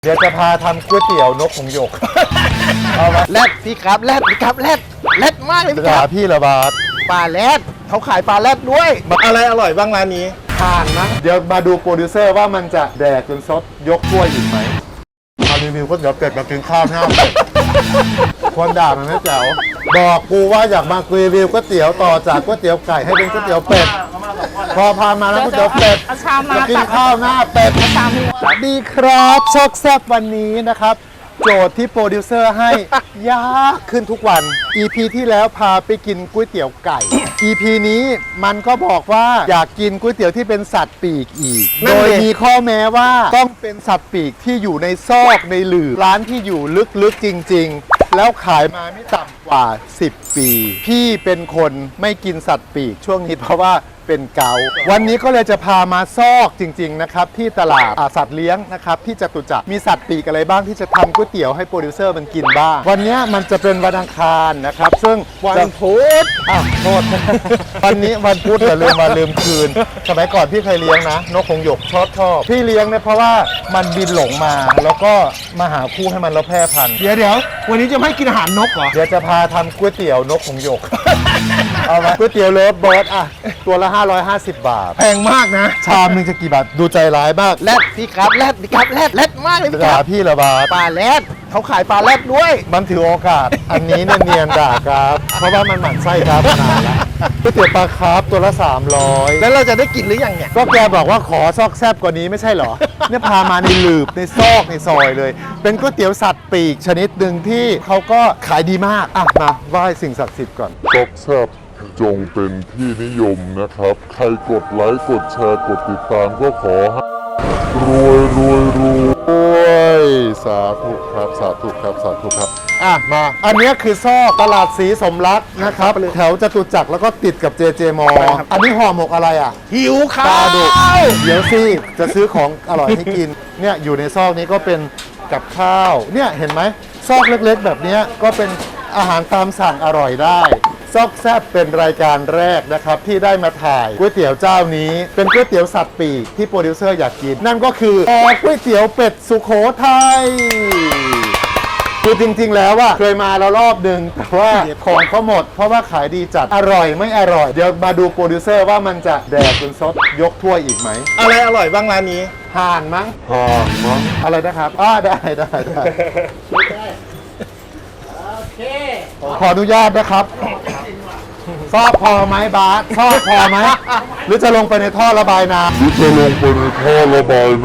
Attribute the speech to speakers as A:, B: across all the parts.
A: เดี๋ยวจะพาทำก๋วยเตี๋ยวนกหงส์หยกเอามา
B: แรดพี่ครับแรดพี่ครับแรดมากเลยพี่ค
A: ด่า
B: รับ
A: พี่ระบาด
B: ปลาแรดเขาขายปลาแรดด้วย
A: อะไรอร่อยบ้างร้านนี้
B: ผ่านนะ
A: เดี๋ยวมาดูโปรดิวเซอร์ว่ามันจะแดกจนซดยกถ้วยอีกไหมมารีวิวก๋วยเตี๋ยวเป็ดมากินข้าวหน้าเป็ดคนด่ามันไม่แจ๋วบอกกูว่าอยากมารีวิวก๋วยเตี๋ยวต่อจากก๋วยเตี๋ยวไก่ให้เป็นก๋วยเตี๋ยวเป็ดพอพามาแล้วก๋วยเตี๋ยวเป็ด
C: เอาชามมา
A: จะกินข้าวหน้าเป็ด
C: ชามนี้
A: สวัสดีครับชอกแซบวันนี้นะครับ โจทย์ที่โปรดิวเซอร์ให้ ยากขึ้นทุกวัน EP ที่แล้วพาไปกินก๋วยเตี๋ยวไก่ EP นี้มันก็บอกว่าอยากกินก๋วยเตี๋ยวที่เป็นสัตว์ปีกอีก
B: นั่
A: โด
B: น
A: ย
B: ดิ
A: มีข้อแม้ว่าต้องเป็นสัตว์ปีกที่อยู่ในซอกในหลืบร้านที่อยู่ลึกๆจริง ๆ แล้วขายมาไม่ต่ำกว่า 10 ปี พี่เป็นคนไม่กินสัตว์ปีกช่วงนี้เพราะว่าเป็นเกาต์วันนี้ก็เลยจะพามาซอกจริงๆนะครับที่ตลาดสัตว์เลี้ยงนะครับที่จตุจักรมีสัตว์ปีกอะไรบ้างที่จะทำก๋วยเตี๋ยวให้โปรดิวเซอร์มันกินบ้างวันนี้มันจะเป็นวันอังคารนะครับซึ่ง
B: วันพุธ
A: โทษ วันนี้วันพุธอย่าลืมมาลืมคืนสมัยก่อนพี่เคยเลี้ยงนะนกหงส์หยกชอบพี่เลี้ยงเนี่ยเพราะว่ามันบินหลงมาแล้วก็มาหาคู่ให้มันแล้วแพร่พันธุ์
B: เดี๋ยววันนี้จะไม่ให้กินอาหารนกเหรอ
A: เดี๋ยวจะพาทำก๋วยเตี๋ยวนกหงส์หยก เอาไหมก๋วยเตี๋ยวเลิฟเบิร์ดอะตัวละ 550 บาท
B: แพงมากนะ
A: ชามหนึงจะกี่บาท ดูใจร้ายมาก
B: แรดพี่ครับแรดพี่ครับแรดมากเลยพี่ค
A: ด่า
B: รับ
A: พี่ระบาด
B: ปลาแรดเขาขายปลาแรดด้วย
A: มันถือโอกาส อันนี้เนี่ยเนียนด่าครับ เพราะว่ามันหมั่นไส้ครับนานแล้วก๋วยเตี๋ยวปลาคาร์ฟตัวละ 300
B: แล้วเราจะได้กินหรือยังเนี่ย
A: ก็แกบอกว่าขอซอกแซบกว่านี้ไม่ใช่เหรอ เนี่ยพามาในหลืบในซอกในซอยเลย เป็นก๋วยเตี๋ยวสัตว์ปีกชนิดหนึ่งที่เขาก็ขายดีมากอ่ะมาไหว้สิ่งศักดิ์สิทธิ์ก่อน
D: ซอกแซบจงเป็นที่นิยมนะครับ ใครกดไลค์กดแชร์กดติดตามก็ขอให้รวย
A: สาธุครับสาธุครับสาธุครับอ่ะมาอันเนี้ยคือซอกตลาดสีสมรักนะครับแถวจตุจักรแล้วก็ติดกับเจเจมออันนี้ห่อหมกอะไรอ่ะ
B: หิวข้า
A: ปลาดุก
B: ว
A: เดี๋ยวสิจะซื้อของอร่อยให้กินเนี่ยอยู่ในซอกนี้ก็เป็นกับข้าวเนี่ยเห็นไหมซอกเล็กๆ แบบเนี้ยก็เป็นอาหารตามสั่งอร่อยได้ซอกแซบเป็นรายการแรกนะครับที่ได้มาถ่ายก๋วยเตี๋ยวเจ้านี้เป็นก๋วยเตี๋ยวสัตว์ปีกที่โปรดิวเซอร์อยากกินนั่นก็คือก๋วยเตี๋ยวเป็ดสุโขทัยคือจริงๆแล้วว่าเคยมาแล้วรอบหนึ่งแต่ว่าของเขาหมดเพราะว่าขายดีจัดอร่อยไม่อร่อยเดี๋ยวมาดูโปรดิวเซอร์ว่ามันจะแดกจนซดยกถ้วยอีกไหม
B: อะไรอร่อยบ้างร้านนี้
A: ห่านมั้ง
D: ห่างมั้ง
A: อะไรนะครับได้ขออนุญาตนะครับซอกพอไหมบาสซอกพอไหมหรือจะลงไปในท่อระบายน้
D: หรือจะลงไปในท่อระบายน้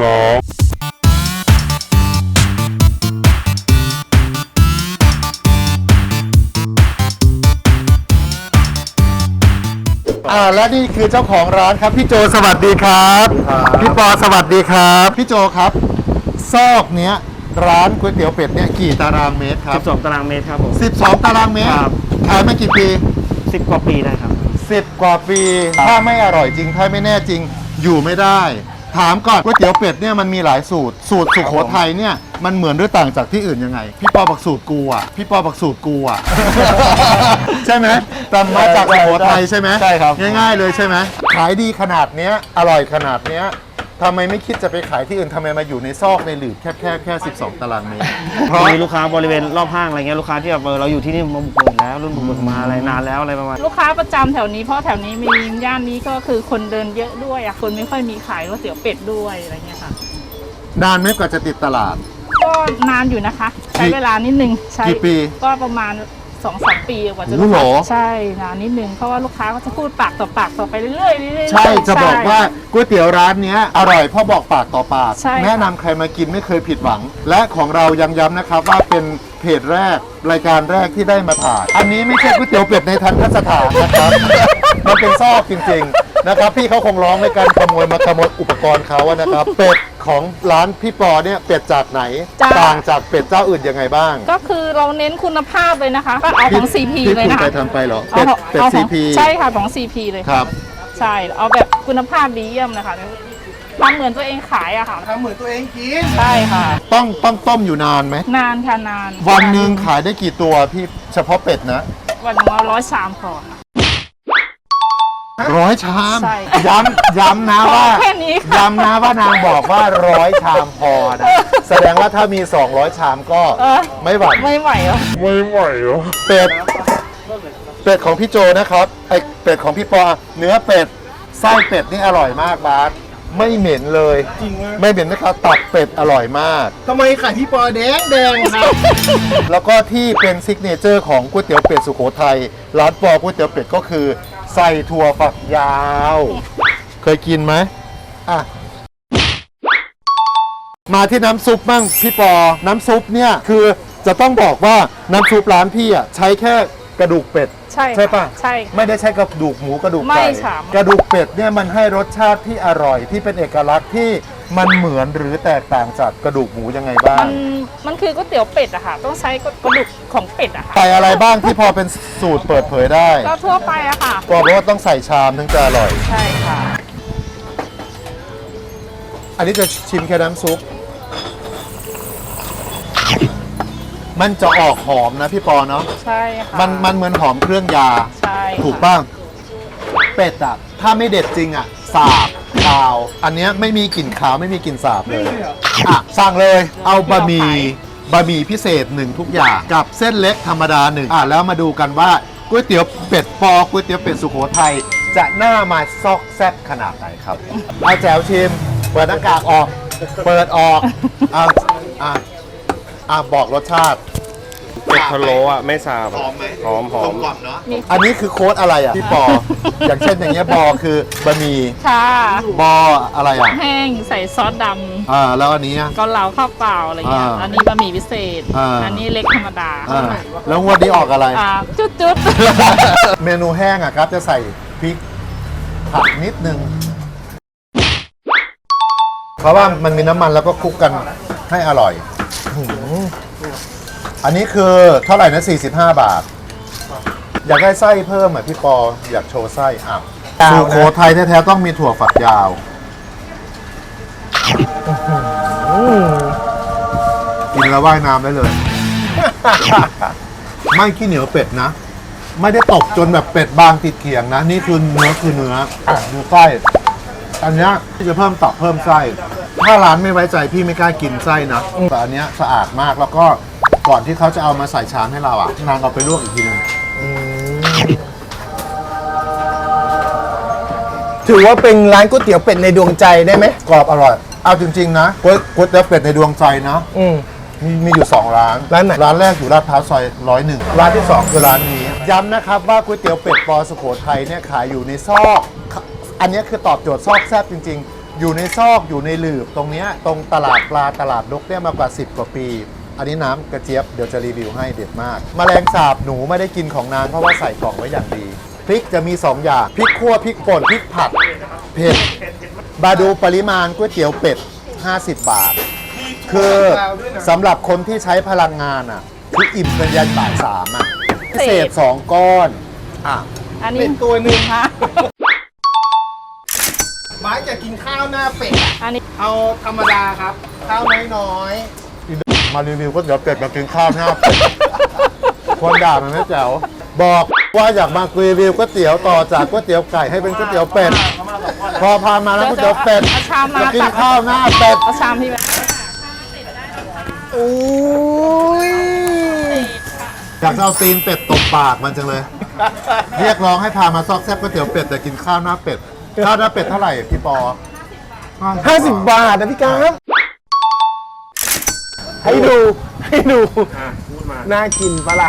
A: ำและนี่คือเจ้าของร้านครับพี่โจสวัสดีครับพี่ปอสวัสดีครับพี่โจครับซอกเนี้ยร้านก๋วยเตี๋ยวเป็ดเนี่ยกี่ตารางเมตรครับ
E: 12 ตารางเมตรครับผม
A: 12 ตารางเมตร
E: ครับ
A: ขายมากี่ปี
E: 10 กว่าปีได้ครับ
A: 10 กว่าปี ถ้าไม่อร่อยจริง ถ้าไม่แน่จริง อยู่ไม่ได้ ถามก่อนก๋วยเตี๋ยวเป็ดเนี่ยมันมีหลายสูตร สูตรสุโขทัยเนี่ยมันเหมือนหรือต่างจากที่อื่นยังไง พี่ปอบอกสูตรกูอ่ะ พี่ปอบอกสูตรกูอ่ะ ใช่ไหมตามมาจากสุโขทัยใช่ไหม
E: ใช่ครับ
A: ง่ายๆเลยใช่ไหมขายดีขนาดเนี้ย อร่อยขนาดเนี้ยทำไมไม่คิดจะไปขายที่อื่นทำไมมาอยู่ในซอกในหลืบแค่ 12 ตารางเมตร เพราะ
E: มีลูกค้าบริเวณรอบห้างอะไรเงี้ยลูกค้าที่แบบเราอยู่ที่นี่มาบุกเบิกแล้วรุ่นบุกเบิกมาอะไรนานแล้วอะไรประมาณ
C: ลูกค้าประจำแถวนี้เพราะแถวนี้มีย่านนี้ก็คือคนเดินเยอะด้วยอะคนไม่ค่อยมีขายก๋วยเตี๋ยวเป็ดด้วยอะไรเงี้ยค่ะ
A: นานไหมกว่าจะติดตลาด
C: ก็นานอยู่นะคะ ใช้เวลานิดนึงใช้
A: กี่ปี
C: ก็ประมาณ 2-3 ปีกว่าจะ
A: โอ้โห
C: ใช่นานนิดนึงเพราะว่าลูกค้าก็จะพูดปากต่อปากต่อไปเรื่อยๆเรื่อยๆ
A: ใช่จะบอกว่าก๋วยเตี๋ยวร้านเนี้ยอร่อยเพราะบอกปากต่อปาก
C: ใช่ค่ะ
A: แนะนำใครมากินไม่เคยผิดหวัง และของเรายังย้ำนะครับว่าเป็นเพจแรกรายการแรกที่ได้มาถ่ายอันนี้ไม่ใช่ก๋วยเตี๋ยวเป็ดในทันทสถานนะครับ มันเป็นซอกจริงๆนะครับพี่เขาคงร้องในการขโมยอุปกรณ์เขาอะนะครับเป็ดของร้านพี่ปอเนี่ยเป็ดจากไหน ต่างจากเป็ดเจ้าอื่นยังไงบ้าง
C: ก็คือเราเน้นคุณภาพเลยนะคะก็เอาของ CP
A: ที่
C: เลย
A: คุณ
C: นะคะ
A: ไปทำไปเหรอ
C: เอา
A: เป็ด
C: ของ
A: CP
C: ใช่ค่ะของ CP เลย
A: ครับ
C: ใช่เอาแบบคุณภาพดีเยี่ยมนะคะทำเหมือนตัวเองขายอะค่ะ
B: ทำเหมือนตัวเองกิน
C: ใช่ค่ะ
A: ต้องต้มอยู่นานไหม
C: นานค่ะนาน
A: วันหนึ่งขายได้กี่ตัวพี่เฉพาะเป็ดนะ
C: วันหนึงเอา100 ชามพอค่ะ
A: 100 ชาม
C: ใช่
A: ย้ำนะว่า
C: แค่นี้ค่ะ
A: ย้ำนะว่านางบอกว่า100 ชามพอนะ แสดงว่าถ้ามี 200 ชามก็
C: เออ
A: ไม่หวั่น
C: ไม่ไหวเหรอ
D: ไม่ไหวเหรอ
A: เป็ดของพี่โจนะครับไอเป็ดของพี่ปอเนื้อเป็ดไส้เป็ดนี่อร่อยมากบาสไม่เหม็นเลย
B: จริงไหม
A: ไม่เหม็นนะครับตับเป็ดอร่อยมาก
B: ทำไมไข่พี่ปอแดงครับ
A: แล้วก็ที่เป็นซิกเนเจอร์ของก๋วยเตี๋ยวเป็ดสุโขทัยร้านปอก๋วยเตี๋ยวเป็ดก็คือใส่ถั่วฝักยาว เคยกินไหมอ่ะมาที่น้ำซุปบ้างพี่ปอน้ำซุปเนี่ยคือจะต้องบอกว่าน้ำซุปร้านพี่อ่ะใช้แค่กระดูกเป็ด
C: ใช่
A: ใช่ปะ
C: ใช่ค่ะ
A: ไม่ได้ใช้กระดูกหมูกระดูก
C: ไม่
A: ไก่
C: ค่ะ
A: กระดูกเป็ดเนี่ยมันให้รสชาติที่อร่อยที่เป็นเอกลักษณ์ที่มันเหมือนหรือแตกต่างจากกระดูกหมูยังไงบ้าง
C: มันคือก๋วยเตี๋ยวเป็ดอะค่ะ ต้องใช้กระดูกของเป็ดอะค่ะ
A: ใส่อะไรบ้างที่พอเป็นสูตรเปิดเผยได้
C: ก็ทั่วไปอะค่ะ
A: บอกว่าต้องใส่ชามถึงจะอร่อย
C: ใช่ค่ะ
A: อันนี้จะชิมแค่น้ำซุปมันจะออกหอมนะพี่ปอเนาะ
C: ใช่ค่ะ
A: มันเหมือนหอมเครื่องยา
C: ใช่ค่ะ
A: ถูกบ้างเป็ดอะถ้าไม่เด็ดจริงอะสาบคาว อันเนี้ยไม่มีกลิ่นขาวไม่มีกลิ่นสาบเลยอ่ะสั่งเลยเอาบะหมี่พิเศษหนึ่งทุกอย่างกับเส้นเล็กธรรมดาหนึ่งแล้วมาดูกันว่าก๋วยเตี๋ยวเป็ดปอก๋วยเตี๋ยวเป็ดสุโขทัยจะหน้ามาซอกแซ่บขนาดไหนครับเอาแจ๋วชิมเปิดหน้ากากออก เปิดออกบอกรสชาติ
E: เป็ดพะโล้อ่ะไม่สาบ
A: หอมไหม
E: หอม
A: กลมเนาะอันนี้คือโค้ดอะไรอ่ะพี่ปอ อย่างเช่นอย่างเงี้ยบอคือบะหมี่
C: ค่ะ
A: บออะไรอ่ะ
C: แห้งใส่ซอสด
A: แล้วอันนี้อ่ะ
C: ำเกาเหลาข้าวเปล่าอะไรเงี้ย อันนี้บะหมี่พิเศษ อันนี้เล็กธรรมดา
A: แล้วงวดนี้ออกอะไร
C: จุด
A: เมนูแห้งอ่ะครับจะใส่พริกผัดนิดนึง เพราะว่ามันมีน้ำมันแล้วก็คลุกกันให้อร่อยอันนี้คือเท่าไหร่นะ45 บาท อยากได้ไส้เพิ่มอ่ะพี่ปออยากโชว์ไส้อ่ะสุโขทัยแท้ๆต้องมีถั่วฝักยาวกินแล้วว่ายน้ำได้เลย ไม่ขี้เหนียวเป็ดนะ ไม่ได้ตกจนแบบเป็ดบางติดเขียงนะ นี่คือเนื้อดูไส้อันเนี้ยที่จะเพิ่มตับเพิ่มไส้ถ้าร้านไม่ไว้ใจพี่ไม่กล้ากินไส้นะแต่อันเนี้ยสะอาดมากแล้วก็ก่อนที่เขาจะเอามาใส่ชามให้เราอ่ะนางเอาไปลวกอีกทีนึง
B: ถือว่าเป็นร้านก๋วยเตี๋ยวเป็ดในดวงใจได้ไหม
A: กรอบอร่อย เอาจริงๆนะก๋วยเตี๋ยวเป็ดในดวงใจนะ มีอยู่ 2 ร้าน
B: ร้านไหน
A: ร้านแรกอยู่ลาดพร้าวซอย101ร้านที่ 2 คือร้านนี้ ย้ำนะครับว่าก๋วยเตี๋ยวเป็ดปอสุโขทัยเนี่ยขายอยู่ในซอก อันนี้คือตอบโจทย์ซอกแซบจริงๆ อยู่ในซอกอยู่ในหลืบตรงเนี้ยตรงตลาดปลาตลาดนกเนี่ยมากว่า10 กว่าปี อันนี้น้ำกระเจี๊ยบเดี๋ยวจะรีวิวให้เด็ดมากแมลงสาบหนูไม่ได้กินของนานเพราะว่าใส่กล่องไว้อย่างดีพริกจะมี 2 อย่างพริกคั่วพริกป่นพริกผัดเผ็ดมาดูปริมาณก๋วยเตี๋ยวเป็ด50 บาท คือสำหรับคนที่ใช้พลังงานอ่ะคืออิ่มกันยันบ่าย3อ่ะพิเศษ 2 ก้อนอ่ะ
C: อันนี้
B: เป็นตัวหนึ่ง
C: ค่ะ
B: บ้านจะกินข้าวหน้าเป็ดอะ
C: อันนี้
B: เอาธรรมดาครับ ข้าวน้อย
A: มารีวิวก๋วยเตี๋ยวเป็ดมากินข้าวหน้าเป็ดคนด่ามันไม่แจ๋วบอกว่าอยากมารีวิวก๋วยเตี๋ยวต่อจากก๋วยเตี๋ยวไก่ให้เป็นก๋วยเตี๋ยวเป็ดพอพามาแล้วก๋วยเตี๋ยวเป็ด
C: เอาชามมา
A: จะกิน
C: ตัก
A: ข้าวหน้าเป็ด
C: เอาชามที่แบบ
B: ๆอุ้ย
A: อยากจะเอาตีนเป็ดตบปากมันจังเลย เรียกร้องให้พามาซอกแซ่บก๋วยเตี๋ยวเป็ดแต่กินข้าวหน้าเป็ดข้าวหน้าเป็ดเท่าไหร่พี่ปอ
B: 50 บาทนะพี่ครับให้ดูน่ากินปะล่ะ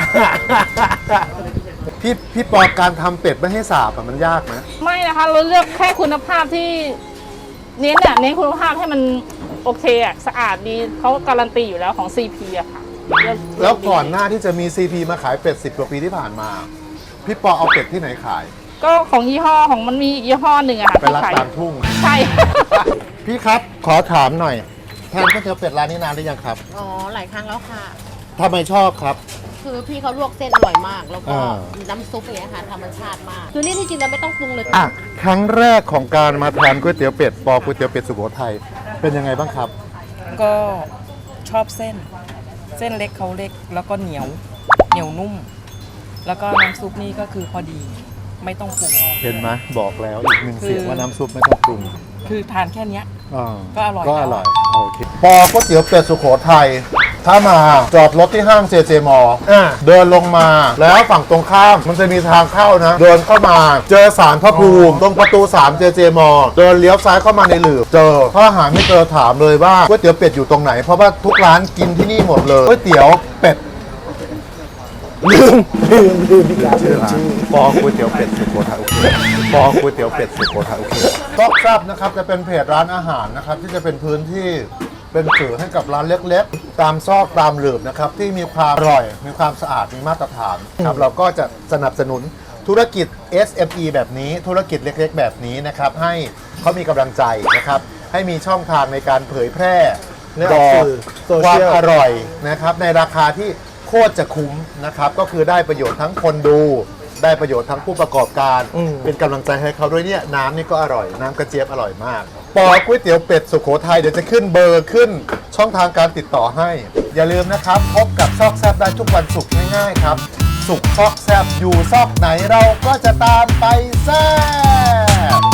A: พี่ปอการทำเป็ดไม่ให้สาบอะมันยากไหม
C: ไม่นะคะ เราเลือกแค่คุณภาพที่เน้นคุณภาพให้มันโอเคอะสะอาดดีเขาการันตีอยู่แล้วของ CP อะค่ะเลือก
A: แล้วก่อนหน้าที่จะมี CP มาขายเป็ด10 กว่าปีที่ผ่านมา พี่ปอเอาเป็ดที่ไหนขาย
C: ก็ของยี่ห้อของมันมีอีกยี่ห้อหนึ่งอะค่ะ
A: เป็นร้าน
C: ที่ขาย
A: ตามทุ่ง
C: ใช่
A: พี่ครับขอถามหน่อยทานก๋วยเตี๋ยวเป็ดร้านนี้นานหรือยังครับ
F: อ๋อ หลายครั้งแล้วค่ะ
A: ทำไมชอบครับ
F: คือพี่เขาลวกเส้นอร่อยมาก แล้วก็
A: อ่า
F: น้ำซุปอย่างเงี้ยค่ะธรรมชาติมาก คือนี่ที่จริงเราไม่ต้องปรุงเลย
A: อ่ะครั้งแรกของการมาทานก๋วยเตี๋ยวเป็ดปอก๋วยเตี๋ยวเป็ดสุโขทัยเป็นยังไงบ้างครับ
G: ก็ชอบเส้นเล็กเขาเล็กแล้วก็เหนียวนุ่ม แล้วก็น้ำซุปนี่ก็คือพอดีไม่ต้องปรุง
A: เห็นไหมบอกแล้วอีกหนึ่งเสียงว่าน้ำซุปไม่ต้องปรุง
G: คือทานแค่เนี้ย
A: อ่า
G: ก็อร่อย
A: ก็อร่อยโอเคปอก๋วยเตี๋ยวเป็ดสุโขทัยถ้ามาจอดรถที่ห้างเจเจมอเดินลงมาแล้วฝั่งตรงข้ามมันจะมีทางเข้านะ เดินเข้ามาเจอศาลพระภูมิตรงประตู3เจเจมอเดินเลี้ยวซ้ายเข้ามาในหลืบเจอถ้าหาไม่เจอถามเลยว่าก๋วยเตี๋ยวเป็ดอยู่ตรงไหนเพราะว่าทุกร้านกินที่นี่หมดเลยก๋วยเตี๋ยวเป็ด
B: ลืมพี่กา
A: ชื่อร้านปอก๋วยเตี๋ยวเป็ดสุโขทัยโอเคปอก๋วยเตี๋ยวเป็ดสุโขทัยโอเคซอกแซบนะครับจะเป็นเพจร้านอาหารนะครับที่จะเป็นพื้นที่เป็นสื่อให้กับร้านเล็กๆ ตามซอกตามหลืบนะครับที่มีความอร่อยมีความสะอาดมีมาตรฐานครับเราก็จะสนับสนุนธุรกิจ SME แบบนี้ธุรกิจเล็กๆ แบบนี้นะครับให้เขามีกำลังใจนะครับให้มีช่องทางในการเผยแพร่ต่อความอร่อยนะครับในราคาที่โคตรจะคุ้มนะครับก็คือได้ประโยชน์ทั้งคนดูได้ประโยชน์ทั้งผู้ประกอบการเป็นกำลังใจให้เขาด้วยเนี่ยน้ำนี่ก็อร่อยน้ำกระเจี๊ยบอร่อยมากปอก๋วยเตี๋ยวเป็ดสุโขทัยเดี๋ยวจะขึ้นเบอร์ขึ้นช่องทางการติดต่อให้ อย่าลืมนะครับพบกับซอกแซบได้ทุกวันศุกร์ง่ายๆครับศุกร์ซอกแซบอยู่ซอกไหนเราก็จะตามไปแซบ